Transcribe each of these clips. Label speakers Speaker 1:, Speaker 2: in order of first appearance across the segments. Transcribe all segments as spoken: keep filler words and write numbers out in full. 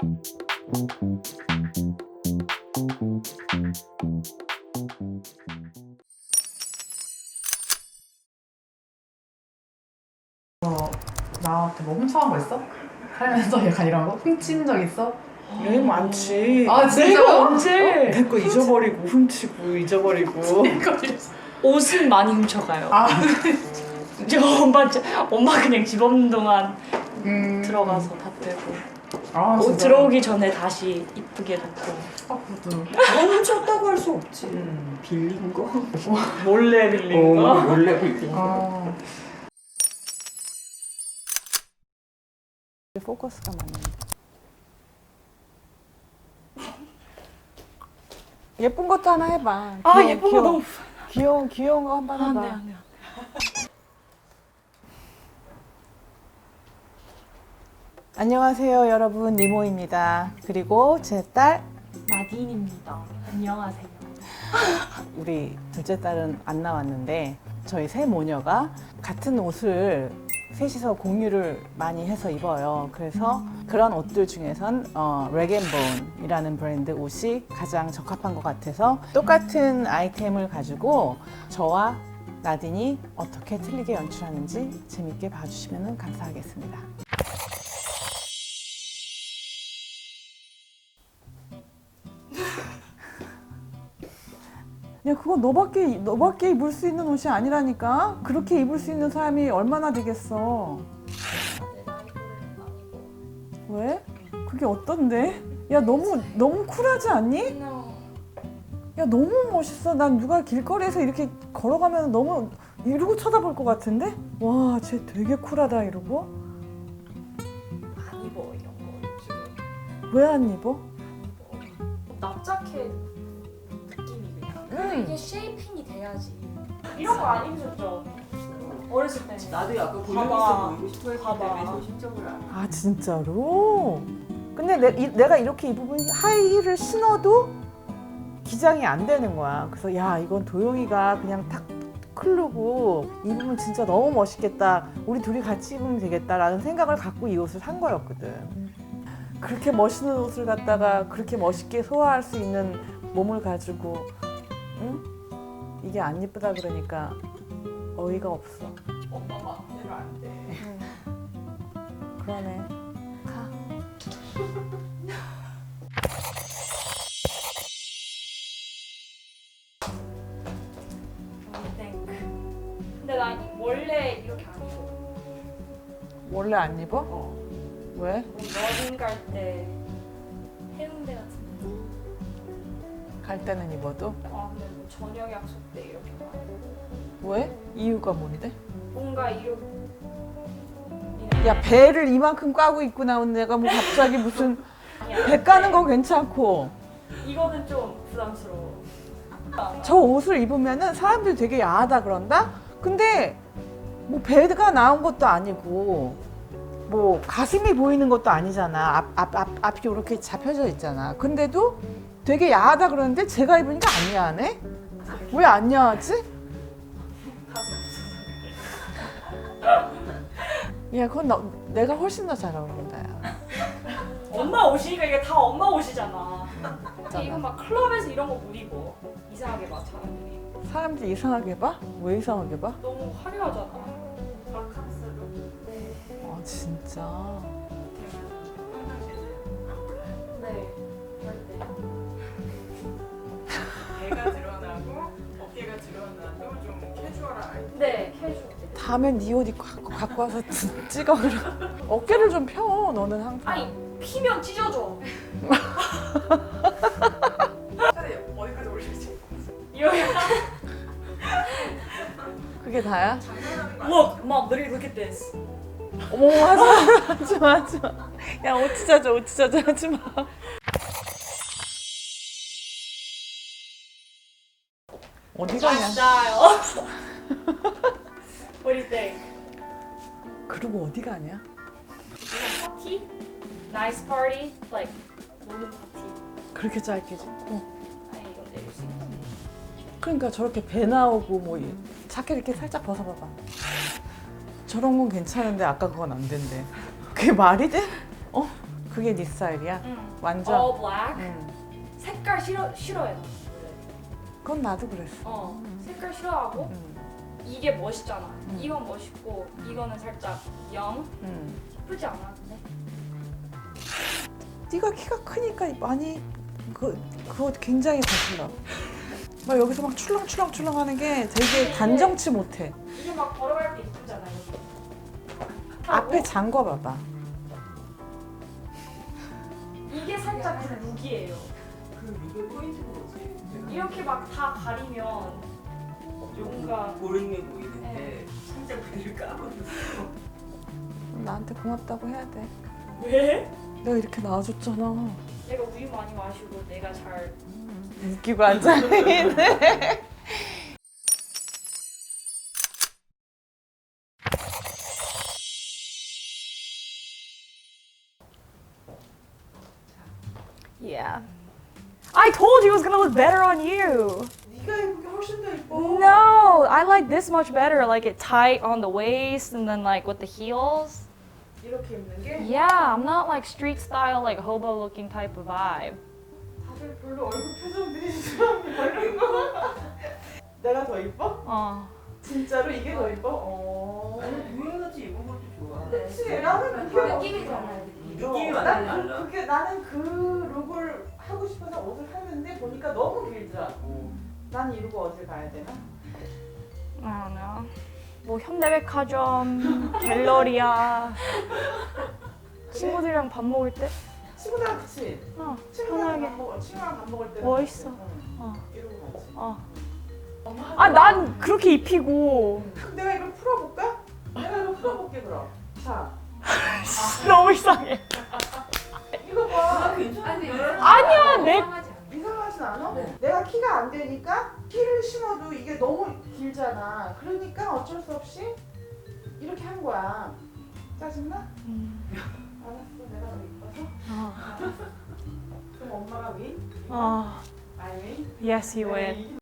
Speaker 1: 어, 나한테 뭐 훔쳐간 거 있어? 살면서 약간 이런 거? 훔친 적 있어?
Speaker 2: 여행 많지.
Speaker 1: 아, 진짜요?
Speaker 2: 내가 언제? 내 거 잊어버리고 훔치고 잊어버리고.
Speaker 1: 이거
Speaker 3: 옷은 많이 훔쳐가요.
Speaker 1: 아,
Speaker 3: 저 엄마, 저- 엄마 그냥 집 없는 동안
Speaker 1: 음.
Speaker 3: 들어가서 다 빼고
Speaker 1: 아,
Speaker 3: 옷
Speaker 1: 진짜.
Speaker 3: 들어오기 전에 다시 이쁘게 놓고.
Speaker 1: 아, 그것도.
Speaker 2: 훔쳤다고 할 수 없지. 음, 빌린 거.
Speaker 3: 몰래 빌린 거.
Speaker 2: 어, 원래 빌린 거.
Speaker 1: 아,
Speaker 4: 포커스가 맞는데. 예쁜 것도 하나 해봐.
Speaker 3: 아
Speaker 4: 귀여운-
Speaker 3: 예쁜 거
Speaker 4: 귀여운-
Speaker 3: 너무.
Speaker 4: 귀여운 귀여운 거 한번
Speaker 3: 아,
Speaker 4: 해봐.
Speaker 3: 네, 안 돼.
Speaker 4: 안녕하세요, 여러분. 니모입니다. 그리고 제 딸,
Speaker 3: 나딘입니다. 안녕하세요.
Speaker 4: 우리 둘째 딸은 안 나왔는데 저희 세 모녀가 같은 옷을 셋이서 공유를 많이 해서 입어요. 그래서 그런 옷들 중에선 어, 렉앤본이라는 브랜드 옷이 가장 적합한 것 같아서 똑같은 아이템을 가지고 저와 나딘이 어떻게 틀리게 연출하는지 재밌게 봐주시면 감사하겠습니다. 야, 그거 너밖에 너밖에 입을 수 있는 옷이 아니라니까. 그렇게 입을 수 있는 사람이 얼마나 되겠어. 왜? 그게 어떤데? 야, 너무 너무 쿨하지 않니? 야, 너무 멋있어. 난 누가 길거리에서 이렇게 걸어가면 너무 이러고 쳐다볼 것 같은데? 와, 쟤 되게 쿨하다 이러고.
Speaker 3: 안 입어 이런 거 요즘.
Speaker 4: 왜 안 입어?
Speaker 3: 납작해 느낌이 그냥.
Speaker 4: 음.
Speaker 5: 이게 쉐이핑이 돼야지.
Speaker 3: 이런 거 안 입으셨죠? 어렸을 때.
Speaker 2: 나도 약간 볼륨
Speaker 3: 봐봐.
Speaker 2: 있어 보이고 싶어 했기
Speaker 3: 봐봐.
Speaker 2: 때문에 조심적으로 안 해.
Speaker 4: 아, 진짜로? 근데 내, 이, 내가 이렇게 입으면 하이힐을 신어도 기장이 안 되는 거야. 그래서 야, 이건 도영이가 그냥 탁 클르고 입으면 진짜 너무 멋있겠다. 우리 둘이 같이 입으면 되겠다라는 생각을 갖고 이 옷을 산 거였거든. 그렇게 멋있는 옷을 갖다가 그렇게 멋있게 소화할 수 있는 몸을 가지고 응? 이게 안 예쁘다 그러니까 어이가 없어.
Speaker 2: 엄마 마음대로 안 돼.
Speaker 4: 그러네. 가.
Speaker 5: 근데 나 원래 이렇게 안 입어.
Speaker 4: 원래 안 입어?
Speaker 5: 어.
Speaker 4: 왜?
Speaker 5: 우리 여행 갈 때 해운대 같은 데.
Speaker 4: 갈 때는 입어도?
Speaker 5: 아 근데 뭐 저녁 약속 때 이렇게 가.
Speaker 4: 왜? 이유가 뭔데?
Speaker 5: 뭔가 이렇게.
Speaker 4: 야, 배를 이만큼 까고 입고 나온 내가 뭐 갑자기 무슨
Speaker 5: 아니야.
Speaker 4: 배 까는 거 괜찮고
Speaker 5: 이거는 좀 부담스러워.
Speaker 4: 저 옷을 입으면은 사람들이 되게 야하다 그런다? 근데 뭐 배가 나온 것도 아니고 뭐 가슴이 보이는 것도 아니잖아. 앞, 앞, 앞, 앞이 이렇게 잡혀져 있잖아. 근데도 되게 야하다 그러는데 제가 입으니까 안 야하네? 왜 안 야하지? 야, 그건 너, 내가 훨씬 더 잘 어울린다. 야.
Speaker 3: 엄마 옷이니까 이게 다 엄마 옷이잖아.
Speaker 5: 근데 이거 막 클럽에서 이런 거 못 입어. 이상하게 막 사람들이.
Speaker 4: 사람들이 이상하게 봐? 왜 이상하게 봐?
Speaker 5: 너무 화려하잖아.
Speaker 3: 바캉스로.
Speaker 4: 아, 진짜.
Speaker 5: 네. 그럴 때.
Speaker 2: 배가 드러나고 어깨가 드러나도 좀 캐주얼한 아이템.
Speaker 5: 네, 캐주얼.
Speaker 4: 다음엔 네 옷 입고 갖고, 갖고 와서 찍어 그럼. 어깨를 좀 펴. 너는 항상.
Speaker 5: 아니 피면 찢어져.
Speaker 2: 차라리 어디까지 올릴지.
Speaker 5: 이렇게.
Speaker 4: 그게 다야?
Speaker 3: Look, mom, literally look at this.
Speaker 4: 어머, 하지 마. 하지 마. 하지 마. 야, 옷 찢어져. 옷 찢어져. 하지 마. 어디 가냐?
Speaker 3: Style. What do you think?
Speaker 4: 그리고 어디 가냐?
Speaker 5: 파티? Nice party? Like 노는 파티.
Speaker 4: 그렇게 짧게 찍고.
Speaker 5: 아니 이거 내릴 수 있다.
Speaker 4: 그러니까 저렇게 배 나오고 뭐 이- 자켓 이렇게 살짝 벗어봐봐. 저런 건 괜찮은데 아까 그건 안 된대. 그게 말이 돼? 어? 그게 네 스타일이야?
Speaker 5: 응.
Speaker 4: 완전?
Speaker 5: all black.
Speaker 4: 응.
Speaker 5: 색깔 싫어 싫어해.
Speaker 4: 그건 나도 그랬어.
Speaker 5: 어. 색깔 싫어하고
Speaker 4: 응.
Speaker 5: 이게 멋있잖아. 이건 멋있고 이거는 살짝 영.
Speaker 4: 응.
Speaker 5: 예쁘지 않아 근데?
Speaker 4: 네가 키가 크니까 많이 그 그거 굉장히 거슬러. 막 여기서 막 출렁출렁출렁 하는 게 되게 단정치 못해.
Speaker 5: 이게 막 걸어갈 때 예쁘잖아 여기.
Speaker 4: 앞에 잠궈 봐봐.
Speaker 5: 이게 살짝 그 룩이에요.
Speaker 2: 그 룩의 포인트가 뭐지?
Speaker 5: 이렇게 막 다 가리면 뭔가
Speaker 2: 고름해 보이는데 살짝 배를 까버렸어.
Speaker 4: 나한테 고맙다고 해야 돼.
Speaker 5: 왜?
Speaker 4: 내가 이렇게 낳아줬잖아.
Speaker 5: 내가 우유 많이 마시고 내가 잘
Speaker 4: 웃기고 앉아있네.
Speaker 3: Yeah. I told you it was gonna look better on you.
Speaker 1: 네가 입은 게 훨씬 더 예뻐.
Speaker 3: No, I like this much better. Like it tight on the waist and then like with the heels.
Speaker 1: 이렇게 입는 게
Speaker 3: Yeah, I'm not like street style, like hobo looking type of vibe.
Speaker 1: 다들 별로 얼굴 표정들이 이상해. 내가 더 이뻐?
Speaker 3: 어.
Speaker 1: 진짜로 이게 더 이뻐? 어.
Speaker 2: 아니 유행같이 입은 것도 좋아.
Speaker 1: 그치, 나는 그게
Speaker 5: 느낌이 달라요.
Speaker 2: 느낌이
Speaker 1: 어,
Speaker 2: 완전
Speaker 1: 난 그-
Speaker 2: 달라.
Speaker 1: 그게 나는 그 룩을 하고 싶어서 옷을 샀는데 보니까 너무 길더라고. 난 이러고 어딜 가야 되나?
Speaker 3: I don't know. 뭐 현대백화점, 갤러리아. 친구들이랑 밥 먹을 때?
Speaker 1: 친구랑 같이.
Speaker 3: 어,
Speaker 1: 친구랑
Speaker 3: 편하게.
Speaker 1: 밥 먹을 친구랑 밥 먹을 때.
Speaker 3: 멋있어.
Speaker 1: 응.
Speaker 3: 어,
Speaker 1: 이러고 가지.
Speaker 3: 어. 아, 난 그렇게 입히고.
Speaker 1: 그럼 내가 이걸 풀어볼까? 내가 이걸 풀어볼게 그럼. 자,
Speaker 3: 너무 이상해.
Speaker 1: 이거 봐.
Speaker 3: 아니야, 내.
Speaker 1: 이상하진 않아? 내가 키가 안 되니까 키를 신어도 이게 너무 길잖아. 그러니까 어쩔 수 없이 이렇게 한 거야. 짜증나?
Speaker 3: 음.
Speaker 1: 알았어, 내가 더 이뻐서.
Speaker 3: 어.
Speaker 1: 그럼 엄마가 위?
Speaker 3: 어.
Speaker 1: I win?
Speaker 3: Yes, you win.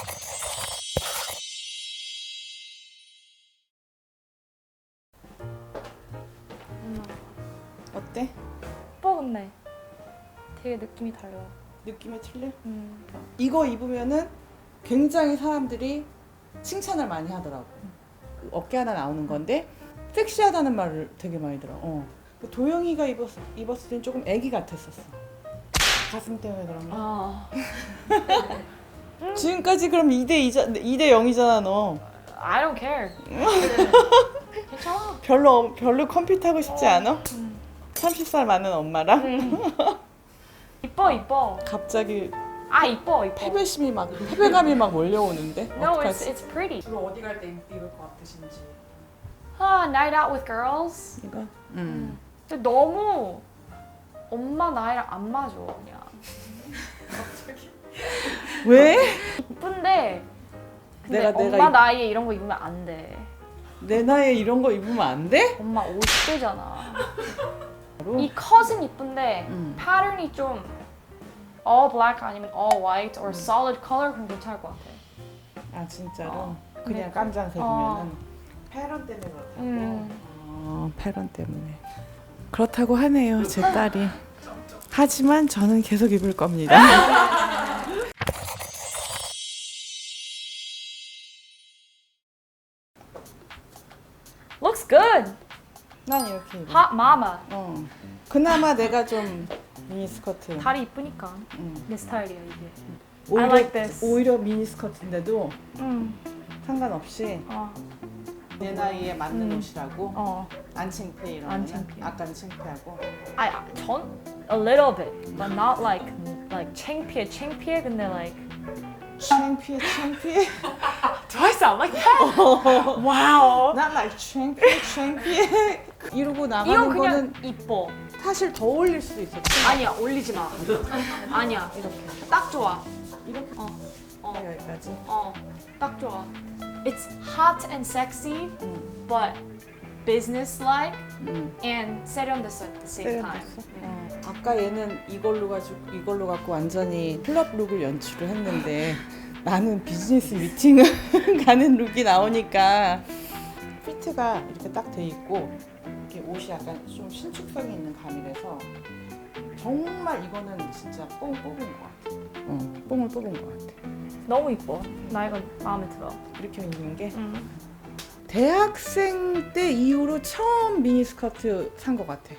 Speaker 4: 어때?
Speaker 3: 예뻐 근데. 되게 느낌이 달라.
Speaker 4: 느낌이 틀려?
Speaker 3: 음.
Speaker 4: 이거 입으면은 굉장히 사람들이 칭찬을 많이 하더라고. 그 어깨 하나 나오는 건데 섹시하다는 말을 되게 많이 들어. 어. 그 도영이가 입었, 입었을 땐 조금 애기 같았었어. 가슴 때문에 그런가?
Speaker 3: 아.
Speaker 4: 지금까지 그럼 이 대 이 대 영이잖아 너.
Speaker 3: I don't care. 괜찮아.
Speaker 4: 별로 별로 컴퓨터 하고 싶지 않아?
Speaker 3: 음.
Speaker 4: 서른 살 많은 엄마랑?
Speaker 3: 음. 이뻐 이뻐.
Speaker 4: 갑자기
Speaker 3: 아 이뻐 이뻐.
Speaker 4: 패배심이 막 패배감이 막 몰려오는데
Speaker 3: No, it's
Speaker 4: 어떡하지?
Speaker 3: it's pretty.
Speaker 1: 주로 어디 갈 때 입을 것 같으신지.
Speaker 3: 아, night out with girls.
Speaker 4: 이거? 음.
Speaker 3: 근데 너무 엄마 나이랑 안 맞아 그냥.
Speaker 4: 왜?
Speaker 3: 이쁜데 근데
Speaker 4: 내가-
Speaker 3: 엄마
Speaker 4: 내가 이-
Speaker 3: 나이에 이런 거 입으면 안 돼.
Speaker 4: 내 나이에 이런 거 입으면 안 돼?
Speaker 3: 엄마 오십 대잖아. 이 컷은 이쁜데
Speaker 4: 음.
Speaker 3: 패턴이 좀 all black 아니면 all white or solid color 그럼 괜찮을 것 같아.
Speaker 4: 아 진짜로?
Speaker 3: 어.
Speaker 4: 그냥
Speaker 3: 네.
Speaker 4: 깜장색이면은
Speaker 1: 패런 때문에 그렇다고.
Speaker 3: 음.
Speaker 4: 어, 패런 때문에 그렇다고 하네요 제 딸이. 하지만 저는 계속 입을 겁니다.
Speaker 3: Looks good.
Speaker 4: 난 이렇게 입어.
Speaker 3: Hot mama.
Speaker 4: 어. 그나마 내가 좀 미니스커트.
Speaker 3: 다리 이쁘니까
Speaker 4: 음.
Speaker 3: 내 스타일이야 이게.
Speaker 4: 오히려,
Speaker 3: I like this.
Speaker 4: 오히려 미니스커트인데도
Speaker 3: 음.
Speaker 4: 상관없이
Speaker 3: 어.
Speaker 4: 내 나이에 맞는
Speaker 3: 음.
Speaker 4: 옷이라고
Speaker 3: 어.
Speaker 4: 안 창피해 이러면
Speaker 3: 안 창피해.
Speaker 4: 아까는 창피하고
Speaker 3: I 전 a little bit, but not like like 창피해 창피해 근데 like
Speaker 4: 창피해 창피해.
Speaker 3: do I sound like that? wow.
Speaker 4: Not like 창피해 창피해. 이러고
Speaker 3: 이건
Speaker 4: 나가는
Speaker 3: 그냥
Speaker 4: 거는
Speaker 3: 이뻐.
Speaker 4: 사실 더 어울릴 수도 있어.
Speaker 3: 아니야 올리지 마. 아니야
Speaker 4: 이렇게
Speaker 3: 딱 좋아.
Speaker 4: 이렇게
Speaker 3: 어. 어.
Speaker 4: 여기까지.
Speaker 3: 어. 딱 좋아. It's hot and sexy,
Speaker 4: 음.
Speaker 3: but business-like
Speaker 4: 음.
Speaker 3: and 세련됐어 at the same time.
Speaker 4: 세련됐어? 어. 아까 얘는 이걸로 가지고 이걸로 갖고 완전히 클럽 룩을 연출을 했는데 나는 비즈니스 미팅을 가는 룩이 나오니까 피트가 이렇게 딱 돼 있고
Speaker 1: 이렇게 옷이 약간 좀 신축성이 있는 감이라서 정말 이거는 진짜 뽕 뽑은 것 같아. 응, 뽕을 뽑은 것 같아.
Speaker 3: 너무 이뻐. 나 이거 마음에 들어.
Speaker 1: 이렇게 입는 게
Speaker 3: 음.
Speaker 1: 대학생 때 이후로 처음 미니스커트 산 것 같아.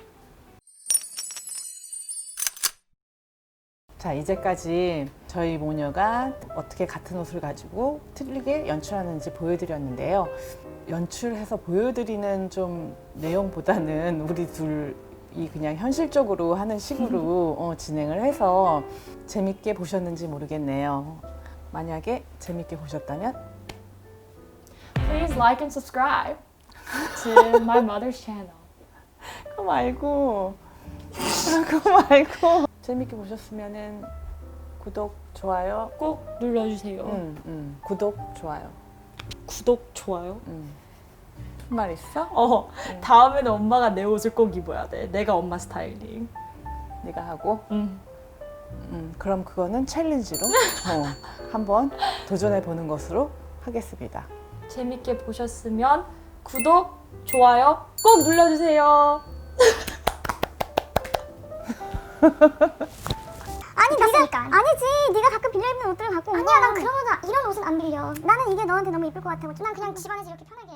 Speaker 1: 자, 이제까지 저희 모녀가 어떻게 같은 옷을 가지고 틀리게 연출하는지 보여드렸는데요. 연출해서 보여드리는 좀 내용보다는 우리 둘이 그냥 현실적으로 하는 식으로 어, 진행을 해서 재밌게 보셨는지 모르겠네요. 만약에 재밌게 보셨다면
Speaker 3: Please like and subscribe to my mother's channel.
Speaker 1: 그거 말고 그거 말고 재밌게 보셨으면은 구독, 좋아요
Speaker 3: 꼭 눌러주세요.
Speaker 1: 응, 응. 구독, 좋아요
Speaker 3: 구독, 좋아요.
Speaker 1: 응. 말 있어?
Speaker 3: 어, 다음에는 엄마가 내 옷을 꼭 입어야 돼. 내가 엄마 스타일링.
Speaker 1: 네가 하고
Speaker 3: 음.
Speaker 1: 음, 그럼 그거는 챌린지로 어, 한번 도전해 보는 것으로 하겠습니다.
Speaker 3: 재밌게 보셨으면 구독, 좋아요 꼭 눌러주세요.
Speaker 6: 아니 네가 아니지 네가 가끔 빌려 입는 옷들을 갖고 아니야 난 그런 이런 옷은 안 빌려 나는 이게 너한테 너무 예쁠 것 같아 난 그냥 집안에서 이렇게 편하게